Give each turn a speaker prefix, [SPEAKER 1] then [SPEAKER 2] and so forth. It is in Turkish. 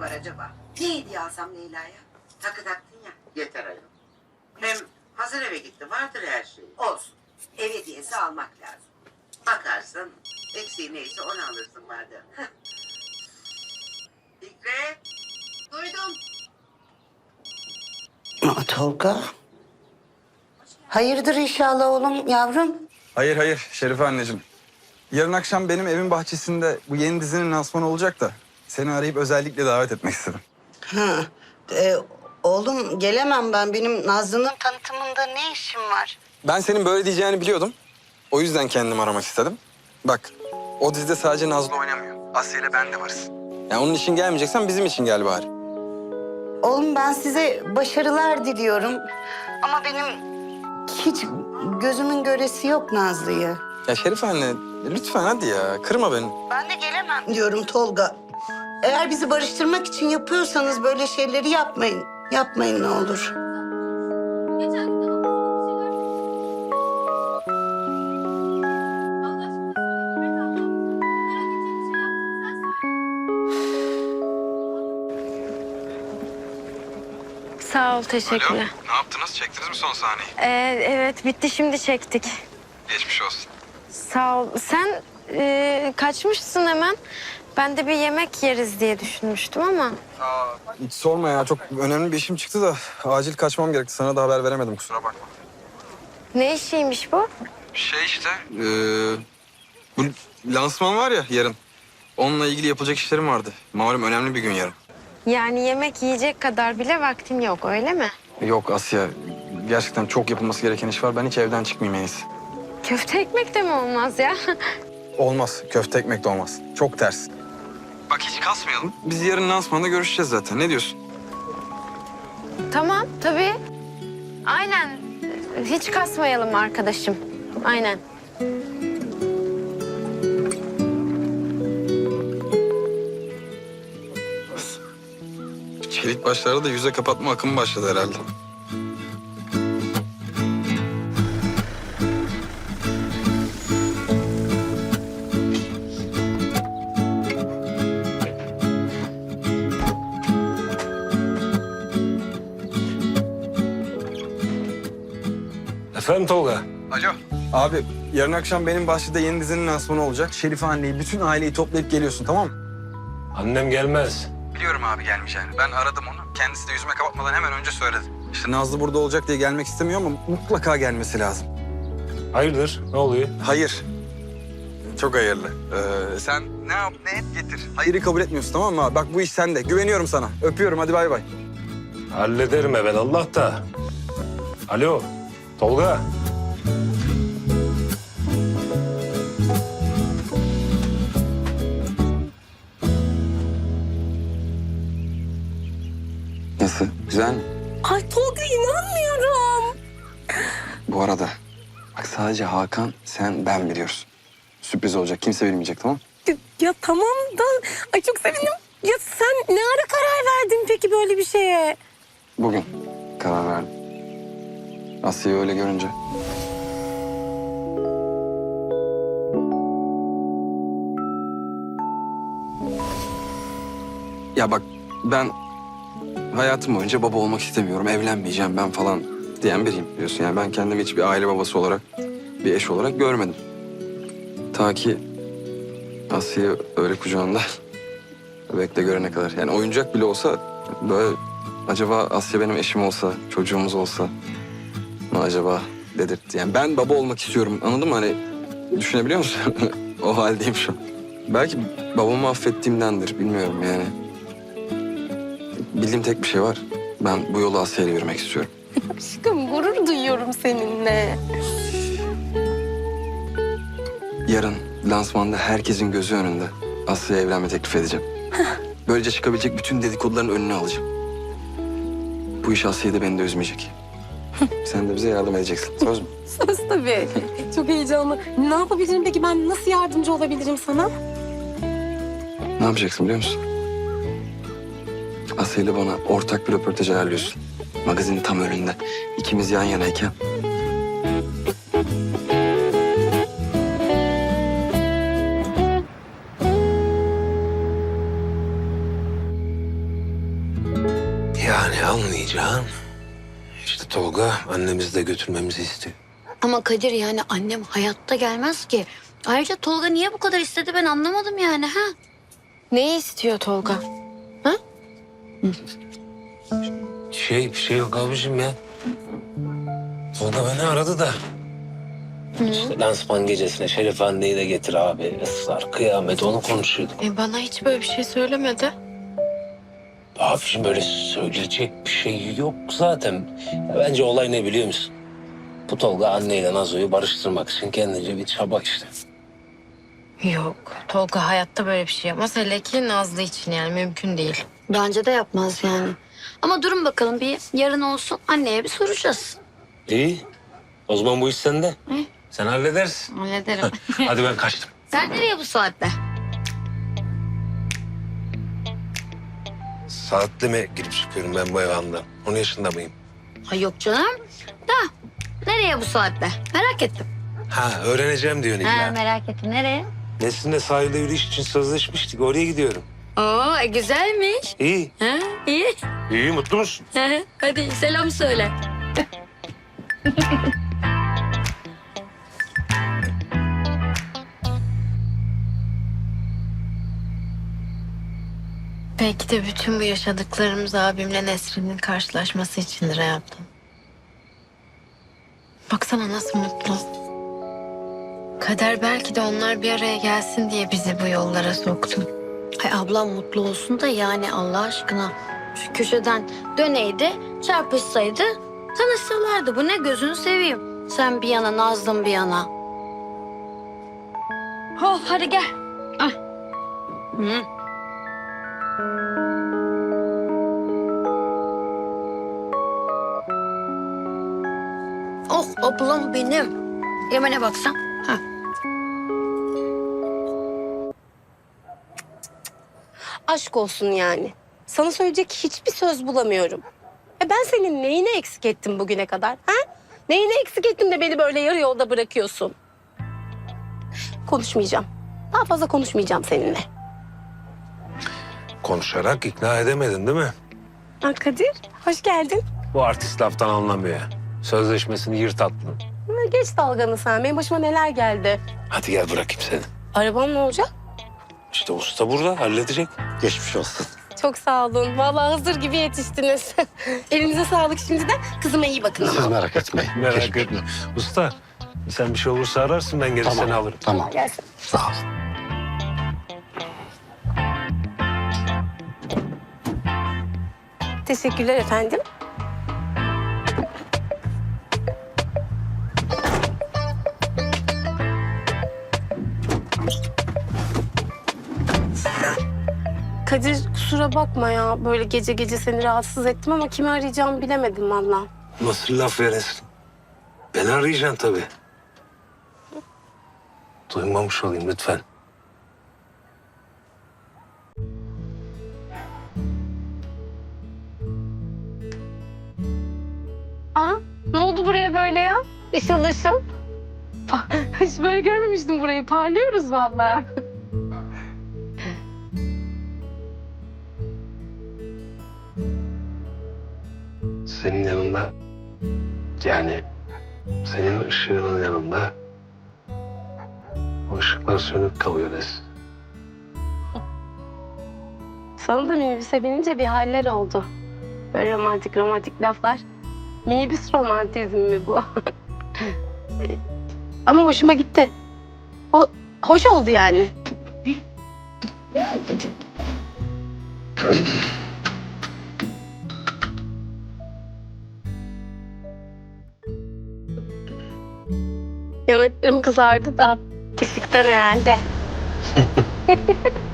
[SPEAKER 1] var acaba? Ne hediye alsam Leyla'ya? Takı taktın ya. Yeter ayol. Hem hazır eve gitti. Vardır her şey. Olsun. Ev hediyesi almak lazım. Bakarsın eksiği neyse onu alırsın madem. Fikret. Duydum.
[SPEAKER 2] Tolga. Hayırdır inşallah oğlum, yavrum?
[SPEAKER 3] Hayır hayır Şerife anneciğim. Yarın akşam benim evin bahçesinde bu yeni dizinin lansmanı olacak da seni arayıp özellikle davet etmek istedim.
[SPEAKER 2] Ha, oğlum gelemem ben. Benim Nazlı'nın tanıtımında ne işim var?
[SPEAKER 3] Ben senin böyle diyeceğini biliyordum. O yüzden kendimi aramak istedim. Bak o dizide sadece Nazlı oynamıyor. Asya ile ben de varız. Yani onun için gelmeyeceksen bizim için gel bari.
[SPEAKER 2] Oğlum ben size başarılar diliyorum. Ama benim hiç gözümün göresi yok Nazlı'yı.
[SPEAKER 3] Ya Şerife anne lütfen hadi ya kırma beni.
[SPEAKER 2] Ben de gelemem diyorum Tolga. Eğer bizi barıştırmak için yapıyorsanız böyle şeyleri yapmayın. Yapmayın ne olur.
[SPEAKER 4] Geçen gün de abuk sabuk bir şeyler. Allah aşkına söyle. Merak edecek bir şey yaptın. Sen söyle. Sağ ol, teşekkürler.
[SPEAKER 3] Ne yaptınız? Çektiniz mi son sahneyi?
[SPEAKER 4] Evet, bitti, şimdi çektik.
[SPEAKER 3] Geçmiş olsun.
[SPEAKER 4] Sağ ol. Sen kaçmışsın hemen. Ben de bir yemek yeriz diye düşünmüştüm ama.
[SPEAKER 3] Hiç sorma ya çok önemli bir işim çıktı da acil kaçmam gerekti. Sana da haber veremedim kusura bakma.
[SPEAKER 4] Ne işiymiş bu?
[SPEAKER 3] Şey işte bu lansman var ya yarın. Onunla ilgili yapılacak işlerim vardı. Malum önemli bir gün yarın.
[SPEAKER 4] Yani yemek yiyecek kadar bile vaktin yok, öyle mi?
[SPEAKER 3] Yok Asya gerçekten çok yapılması gereken iş var. Ben hiç evden çıkmayayım en iyisi.
[SPEAKER 4] Köfte ekmek de mi olmaz ya?
[SPEAKER 3] Olmaz. Köfte ekmek de olmaz. Çok ters. Bak hiç kasmayalım. Biz yarın lansmanda görüşeceğiz zaten. Ne diyorsun?
[SPEAKER 4] Tamam, tabii. Aynen. Hiç kasmayalım arkadaşım. Aynen.
[SPEAKER 3] Çelik başlarda da yüze kapatma akımı başladı herhalde.
[SPEAKER 5] Efendim Tolga?
[SPEAKER 3] Alo. Abi yarın akşam benim bahçede yeni dizinin lansmanı olacak. Şerife anneyi, bütün aileyi toplayıp geliyorsun tamam mı?
[SPEAKER 5] Annem gelmez.
[SPEAKER 3] Biliyorum abi gelmeyeceğini. Ben aradım onu. Kendisi de yüzüme kapatmadan hemen önce söyledi. İşte Nazlı burada olacak diye gelmek istemiyor ama mutlaka gelmesi lazım.
[SPEAKER 5] Hayırdır? Ne oluyor?
[SPEAKER 3] Hayır. Çok hayırlı. Sen ne yap ne et getir. Hayırı kabul etmiyorsun tamam mı abi? Bak bu iş sende. Güveniyorum sana. Öpüyorum hadi bay bay.
[SPEAKER 5] Hallederim evelallah da. Alo Tolga.
[SPEAKER 3] Nasıl? Güzel mi?
[SPEAKER 6] Ay Tolga inanmıyorum.
[SPEAKER 3] Bu arada bak sadece Hakan, sen, ben biliyoruz. Sürpriz olacak. Kimse bilmeyecek tamam mı?
[SPEAKER 6] Ya tamam da ay çok sevindim. Ya sen ne ara karar verdin peki böyle bir şeye?
[SPEAKER 3] Bugün karar verdim. Asya'yı öyle görünce. Ya bak ben hayatım boyunca baba olmak istemiyorum, evlenmeyeceğim ben falan diyen biriyim biliyorsun. Yani ben kendimi hiç bir aile babası olarak, bir eş olarak görmedim. Ta ki Asya'yı öyle kucağında bebekle görene kadar. Yani oyuncak bile olsa böyle acaba Asya benim eşim olsa, çocuğumuz olsa mı acaba dedirtti. Yani ben baba olmak istiyorum anladın mı? Hani düşünebiliyor musun? O haldeyim şu an. Belki babamı affettiğimdendir bilmiyorum yani. Bildiğim tek bir şey var. Ben bu yolu Asya'yla yürümek istiyorum.
[SPEAKER 6] Aşkım gurur duyuyorum seninle.
[SPEAKER 3] Yarın lansmanda herkesin gözü önünde Asya'ya evlenme teklif edeceğim. Böylece çıkabilecek bütün dedikoduların önüne alacağım. Bu iş Asya'yı da beni de üzmeyecek. Sen de bize yardım edeceksin. Söz mü?
[SPEAKER 6] Söz tabii. Çok heyecanlı. Ne yapabilirim peki, ben nasıl yardımcı olabilirim sana?
[SPEAKER 3] Ne yapacaksın biliyor musun? Asya ile bana ortak bir röportaj ayarlıyorsun. Magazinin tam önünde. İkimiz yan yanayken.
[SPEAKER 5] anlayacaksın? İşte Tolga annemizi de götürmemizi istiyor.
[SPEAKER 7] Ama Kadir yani annem hayatta gelmez ki. Ayrıca Tolga niye bu kadar istedi ben anlamadım yani ha?
[SPEAKER 4] Neyi istiyor Tolga?
[SPEAKER 5] Bir şey yok abicim ya. Tolga beni aradı da. İşte lansman gecesine Şeref anneyi de getir abi. Israr, kıyamet onu konuşuyorduk.
[SPEAKER 4] Bana hiç böyle bir şey söylemedi.
[SPEAKER 5] Abicim böyle söyleyecek bir şey yok zaten. Ya bence olay ne biliyor musun? Bu Tolga anneyle Nazo'yu barıştırmak için kendince bir çaba işte.
[SPEAKER 4] Yok. Tolga hayatta böyle bir şey yapmaz. Hele ki Nazlı için yani mümkün değil.
[SPEAKER 7] Bence de yapmaz yani. Ama durun bakalım bir yarın olsun anneye bir soracağız.
[SPEAKER 5] İyi. O zaman bu iş sende. Sen halledersin.
[SPEAKER 7] Hallederim.
[SPEAKER 5] Hadi ben kaçtım.
[SPEAKER 7] Sen nereye bu saatte?
[SPEAKER 5] Saatli mi girip çıkıyorum ben bu evandan? 10 yaşında mıyım?
[SPEAKER 7] Ay yok canım. Da nereye bu saatte? Merak ettim.
[SPEAKER 5] Ha öğreneceğim diyorsun illa.
[SPEAKER 7] Merak ettim. Nereye?
[SPEAKER 5] Nesrin'le sahilde yürüyüş için sözleşmiştik. Oraya gidiyorum.
[SPEAKER 7] Oo güzelmiş.
[SPEAKER 5] İyi.
[SPEAKER 7] Ha, iyi.
[SPEAKER 5] İyi mutlu musun?
[SPEAKER 7] Hadi selam söyle.
[SPEAKER 4] Belki de bütün bu yaşadıklarımız abimle Nesrin'in karşılaşması içindir hayatım. Baksana nasıl mutlu. Kader belki de onlar bir araya gelsin diye bizi bu yollara soktu.
[SPEAKER 7] Ay ablam mutlu olsun da yani Allah aşkına. Şu köşeden döneydi, çarpışsaydı tanışsalardı. Bu ne gözünü seveyim. Sen bir yana, Nazlım bir yana. Oh hadi gel. Ay. Hı. Oh ablam benim. Yemene baksan. Ha.
[SPEAKER 6] Aşk olsun yani. Sana söyleyecek hiçbir söz bulamıyorum. Ben senin neyini eksik ettim bugüne kadar? Ha? Neyini eksik ettim de beni böyle yarı yolda bırakıyorsun? Konuşmayacağım. Daha fazla konuşmayacağım seninle.
[SPEAKER 5] Konuşarak ikna edemedin değil mi?
[SPEAKER 6] Ha, Kadir, hoş geldin.
[SPEAKER 5] Bu artist laftan anlamıyor ya. Sözleşmesini yırt attın.
[SPEAKER 6] Geç dalganı sen. Benim başıma neler geldi.
[SPEAKER 5] Hadi gel bırakayım seni.
[SPEAKER 6] Arabam ne olacak?
[SPEAKER 5] İşte usta burada halledecek.
[SPEAKER 8] Geçmiş olsun.
[SPEAKER 6] Çok sağ olun. Vallahi hazır gibi yetiştiniz. Elinize sağlık şimdiden. Kızıma iyi bakın ama.
[SPEAKER 8] Siz merak etmeyin.
[SPEAKER 5] Merak
[SPEAKER 8] Geçmiş
[SPEAKER 5] etme.
[SPEAKER 8] olsun.
[SPEAKER 5] Usta sen bir şey olursa ararsın ben gelir seni alırım.
[SPEAKER 8] Tamam.
[SPEAKER 6] Gelsin.
[SPEAKER 8] Sağ ol.
[SPEAKER 6] Teşekkürler efendim. Kadir kusura bakma ya. Böyle gece gece seni rahatsız ettim ama kimi arayacağımı bilemedim valla.
[SPEAKER 5] Nasıl laf veresin? Beni arayacaksın tabii. Duymamış olayım lütfen.
[SPEAKER 6] Aa, ne oldu buraya böyle ya? Işıl ışıl. Hiç böyle görmemiştim burayı. Parlıyoruz vallahi.
[SPEAKER 5] Senin yanında yani senin ışığının yanında o ışıklar sönük kalıyor Nes.
[SPEAKER 6] Sana da minibüse binince bir haller oldu. Böyle romantik romantik laflar. Minibüs romantizmi mi bu? Ama hoşuma gitti. Hoş oldu yani. Yanaklarım kızardı da. Kesikten herhalde.